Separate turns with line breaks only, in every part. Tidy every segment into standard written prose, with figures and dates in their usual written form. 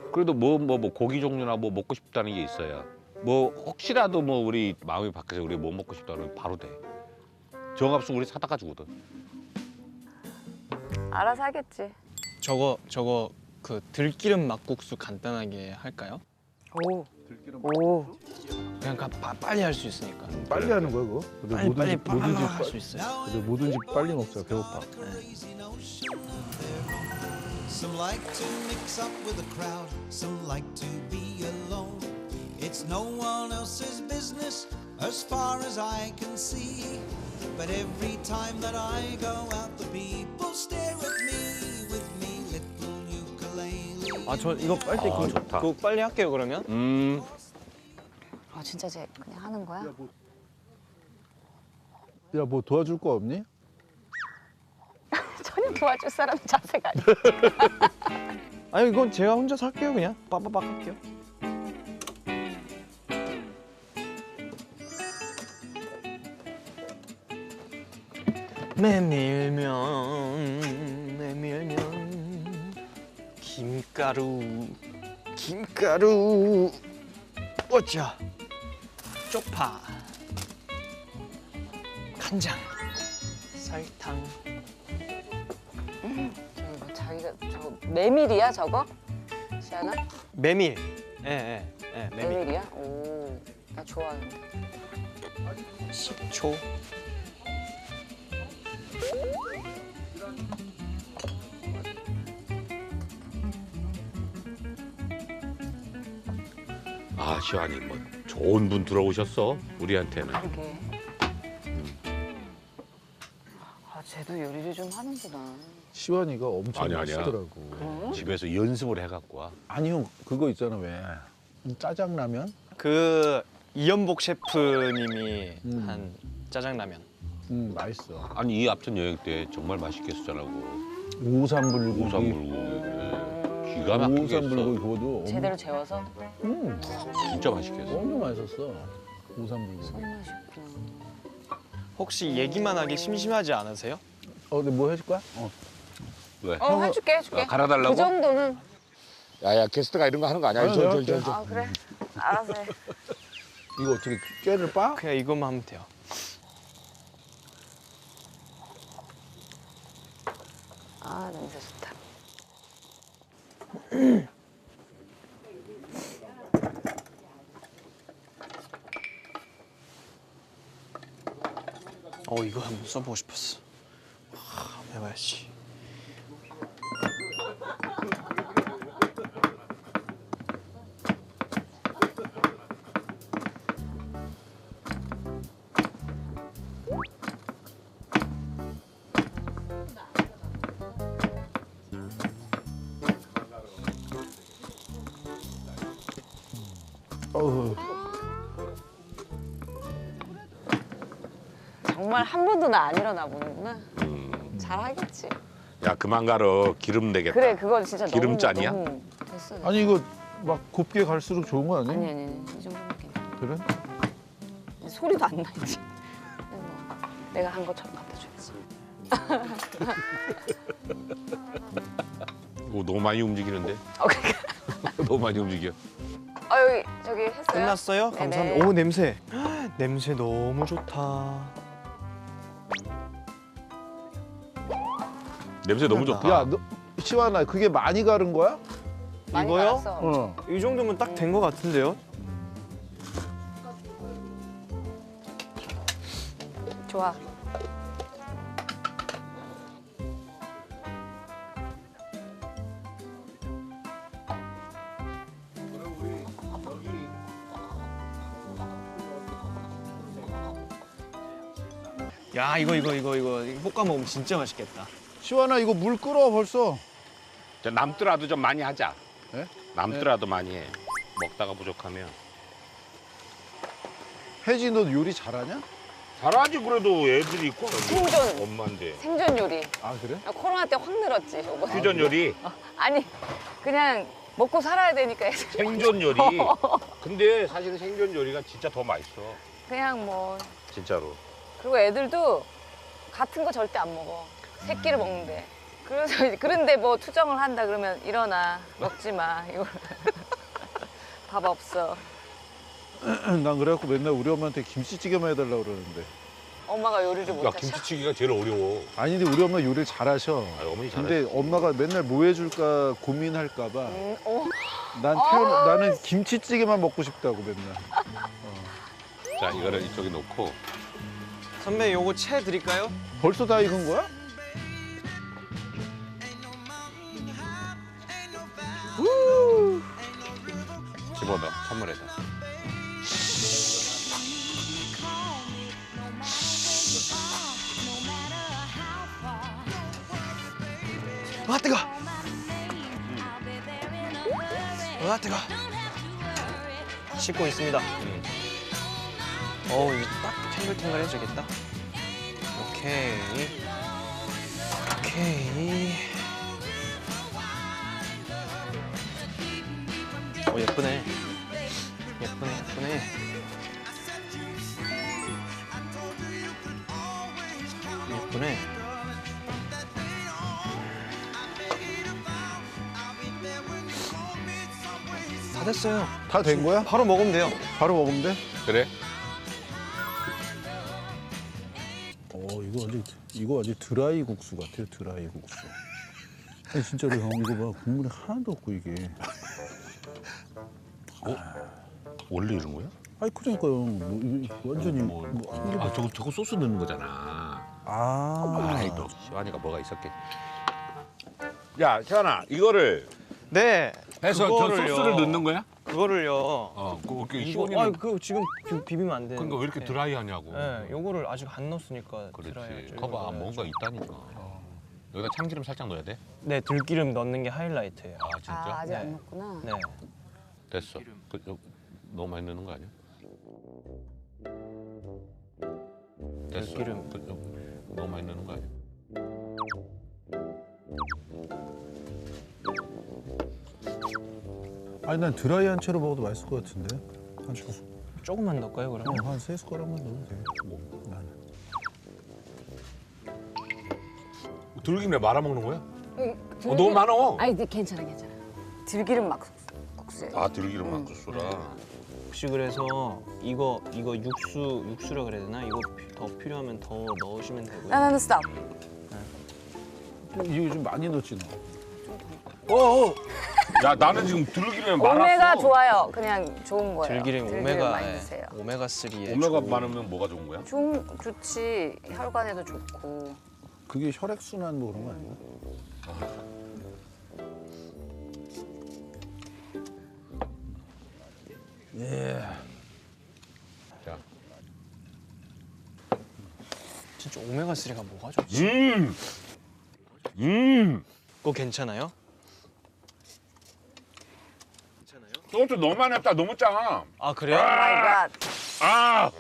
그래도 뭐 고기 종류나 뭐 먹고 싶다는 게 있어야 뭐 혹시라도 뭐 우리 마음이 바뀌어서 우리 뭐 먹고 싶다 그러면 바로 돼. 정합수 우리 사다가 주거든.
알아서 하겠지.
저거 그 들기름 막국수 간단하게 할까요?
오. 오.
그냥 빨리 할 수 있으니까.
빨리 하는 거야 그거? 근데
빨리
뭐든지
할 수 있어요.
근데 뭐든지 빨리 먹자. 배고파.
Some like to mix up with the crowd, some like to be alone. It's no one else's business as far as I can see. But every time that I go out, the people stare at me with me little ukulele.
아, 저 이거 빨리
좋다.
그거 빨리 할게요 그러면.
아 진짜 쟤 그냥 하는 거야?
야 뭐 도와줄 거 없니?
전혀 도와줄 사람 자세가 아니야.
아니 이건 제가 혼자서 할게요 그냥. 빠빠빡 할게요. 메밀면 김가루 어짜 쪽파 간장 설탕
저기 뭐 자기가 저거 메밀이야 저거? 시아나?
메밀 메밀
메밀이야? 오. 나 좋아하는데.
식초
아 시환이 뭐 좋은 분 들어오셨어 우리한테는.
그게. 아 쟤도 요리를 좀 하는구나.
시원이가 엄청
아니야.
맛있더라고.
집에서 연습을 해갖고 와.
아니 형 그거 있잖아 왜 짜장라면?
그 이연복 셰프님이 한 짜장라면
맛있어.
아니 이 앞전 여행 때 정말 맛있게 했었잖아고.
오삼불고기.
오삼불고기. 기가 막히게 했어.
오삼불고기 그거도
제대로 재워서
진짜 맛있게 했어.
엄청 맛있었어. 오삼불고기.
손맛이구나.
혹시 얘기만 하기 심심하지 않으세요?
근데 뭐 해줄 거야?
왜?
해줄게.
갈아달라고?
그 정도는.
야야 게스트가 이런 거 하는 거 아니야?
아니,
저.
아 그래. 알아서 해.
이거 어떻게 꾀를 빠?
그냥 이것만 하면 돼요.
아 냄새 좋다.
이거 한번 써보고 싶었어. 한번 해봐야지.
어우.
정말 한 번도 나 안 일어나 보는구나. 잘하겠지.
야 그만 가러 기름 되겠다.
그래 그거 진짜
기름짠이야?
너무 됐어.
아니 이거 막 곱게 갈수록 좋은 거 아니야?
아니 이 정도면 괜찮아.
그래?
소리도 안 나지. 근데 뭐 내가 한 것처럼 갖다 줘야지.
오, 너무 많이 움직이는데?
그러니까.
너무 많이 움직여.
여기 저기 했어요?
끝났어요?
네네.
감사합니다. 오 냄새. 냄새 너무 좋다.
냄새 너무 좋다.
야, 너 시완아 그게 많이 가른 거야?
많이
이거요?
갈았어.
이 정도면 딱 된 것 같은데요?
좋아.
야 이거 볶아 먹으면 진짜 맛있겠다.
시완아 이거 물 끓어 벌써.
자, 남더라도 좀 많이 하자.
네?
남더라도 많이 해. 먹다가 부족하면.
혜지 너 요리 잘하냐?
잘하지 그래도 애들이 있고.
생존.
엄마인데.
생존 요리.
아 그래?
코로나 때 확 늘었지. 요거.
퓨전 요리.
아니 그냥 먹고 살아야 되니까 애들.
생존 요리. 근데 사실은 생존 요리가 진짜 더 맛있어.
그냥 뭐
진짜로.
그리고 애들도 같은 거 절대 안 먹어. 새끼를 먹는데 그래서 그런데 뭐 투정을 한다 그러면 일어나 먹지 마 이거 밥 없어.
난 그래갖고 맨날 우리 엄마한테 김치찌개만 해달라고 그러는데.
엄마가 요리를
야
못하셔.
김치찌개가 제일 어려워.
아니 근데 우리 엄마 요리를 잘하셔.
아, 어머니 잘해.
근데 엄마가 맨날 뭐 해줄까 고민할까봐
어.
나는 김치찌개만 먹고 싶다고 맨날.
자 이거를 이쪽에 놓고.
선배 요거 채 드릴까요?
벌써 다 익은 거야?
집어넣어 찬물에다.
와 뜨거. 와 뜨거. 씻고 있습니다. 어우 이거 딱 탱글탱글해지겠다. 오케이. 오케이. 예쁘네. 예쁘네 예쁘네. 예쁘네. 다 됐어요.
다 된 거야?
바로 먹으면 돼요.
바로 먹으면 돼?
그래?
이거 완전 드라이 국수 같아요. 드라이 국수. 아니 진짜로 형 이거 봐 국물이 하나도 없고 이게.
원래 이런 거야?
아니 그러니까요. 뭐, 이게 완전히
아 저거 소스 넣는 거잖아. 아이 너 시환이가 뭐가 있었겠지. 야 시환아 이거를
네.
해서 저
그거를요.
소스를 넣는 거야?
그거를요.
그렇게
이거
시원이는
그거 지금 비비면 안 돼.
그러니까 왜 이렇게 드라이하냐고.
네, 요거를 아직 안 넣었으니까
그렇지.
드라이하죠.
거봐
이거
뭔가
넣어야죠.
있다니까. 여기다 참기름 살짝 넣어야 돼?
네, 들기름 넣는 게 하이라이트예요.
아 진짜?
아 아직
네.
안 먹구나.
네.
됐어. 너무 많이 넣는 거 아니야? 됐어.
들기름.
너무 많이 넣는 거 아니야?
아니 난 드라이한 채로 먹어도 맛있을 것 같은데.
조금만 넣을까요, 그러면?
한 3숟가락만 넣으면 돼. 나는.
들기름에 말아 먹는 거야?
들기름-
너무 많어.
아니 괜찮아. 들기름 막국수에.
아 들기름 막국수라.
혹시 그래서 이거 육수라 그래야 되나? 이거 더 필요하면 더 넣으시면 되고요.
나는 스탑.
이거 좀 많이 넣지 너.
야 나는 지금 들기름에 말았어.
오메가 좋아요. 그냥 좋은 거예요.
들기름
많이
오메가
드세요.
오메가 3에
오메가 많으면 뭐가 좋은 거야?
좋지. 혈관에도 좋고.
그게 혈액 순환 뭐 그런 거 아니야?
자.
진짜 오메가 3가 뭐가 좋지? 그거 괜찮아요?
소주 너무 많이 했다. 너무 짜.
아 그래요?
오 마이 갓.
아.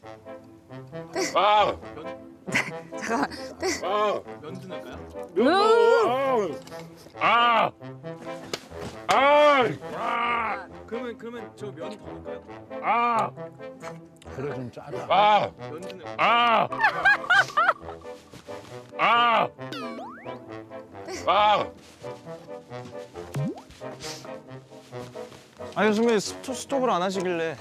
아.
잠깐만.
아.
면도 넣을까요?
면 넣어. 아. 아. 아.
그러면 저 면 더 넣을까요?
아.
그래 좀 짜다.
아.
면도 넣을까요?
아. 아. 아.
아니 선배님 스톱을 안 하시길래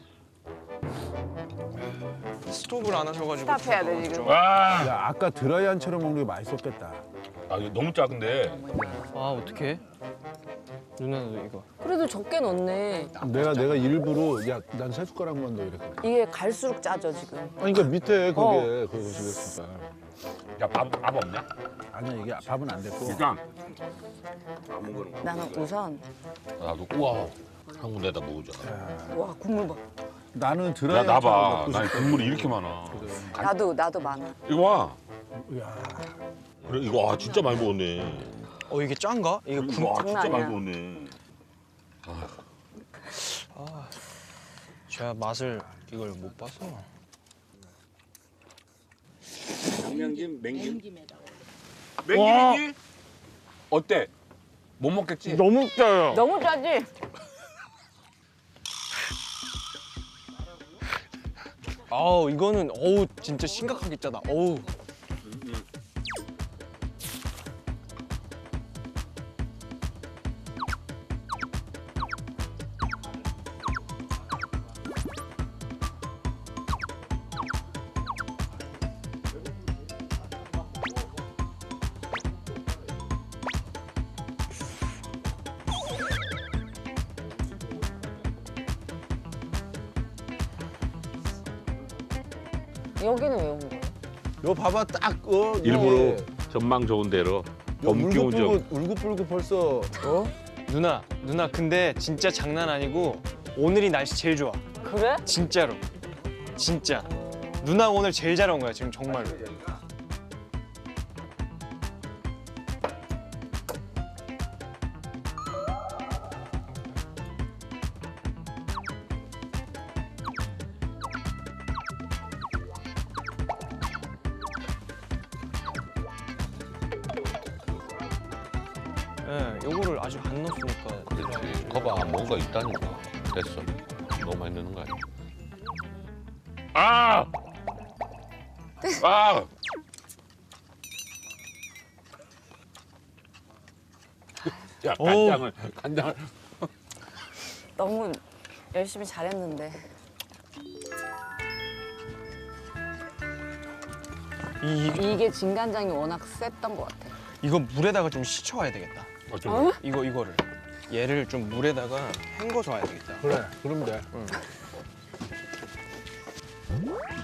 스톱을 안 하셔가지고
스탑해야 돼, 지금.
아.
야 아까 드라이한 채로 먹는 게 맛있었겠다.
아 이거 너무 작은데.
아 어떡해? 누나도 이거
그래도 적게 넣네.
내가 일부러 야 난 3숟가락만 넣어 이랬거든.
이게 갈수록 짜져 지금.
아니 그러니까 밑에 그게 그거 지금
야 밥 없냐?
아니야 이게 밥은 안 됐고.
일단
나는 우선
나도 우와 한 군데다 먹자.
와 국물 봐.
나는
야
드라이한 채로
나봐.
먹고
난
싶어.
국물이 이렇게 많아.
나도 많아.
이거 봐.
야
그래 이거 아 진짜 많이 먹었네.
이게 짠가? 이게 군...
와 진짜
장난
많이
아니야.
먹었네.
제가 맛을 이걸 못 봐서
양념김 맹김이지? 어때? 못 먹겠지?
너무 짜요.
너무 짜지?
아우 이거는 진짜 심각하게 짜다. 어우
여기는 왜 온 거예요?
요 봐봐 딱
일부러 전망 좋은 데로 범 기운 좀.
울긋불긋 벌써
누나 근데 진짜 장난 아니고 오늘이 날씨 제일 좋아.
그래?
진짜로. 진짜. 누나 오늘 제일 잘 온 거야 지금 정말로. 예, 요거를 아직 안 넣었으니까.
그렇지. 거봐 뭔가 있다니까. 됐어. 너무 많이 넣는 거 아니야? 아! 아! 야 간장을
너무 열심히 잘했는데. 이게 진간장이 워낙 셌던 것 같아.
이거 물에다가 좀 식혀와야 되겠다.
어?
이거를 얘를 좀 물에다가 헹궈서 와야 되겠다.
그래 그럼 돼.
응.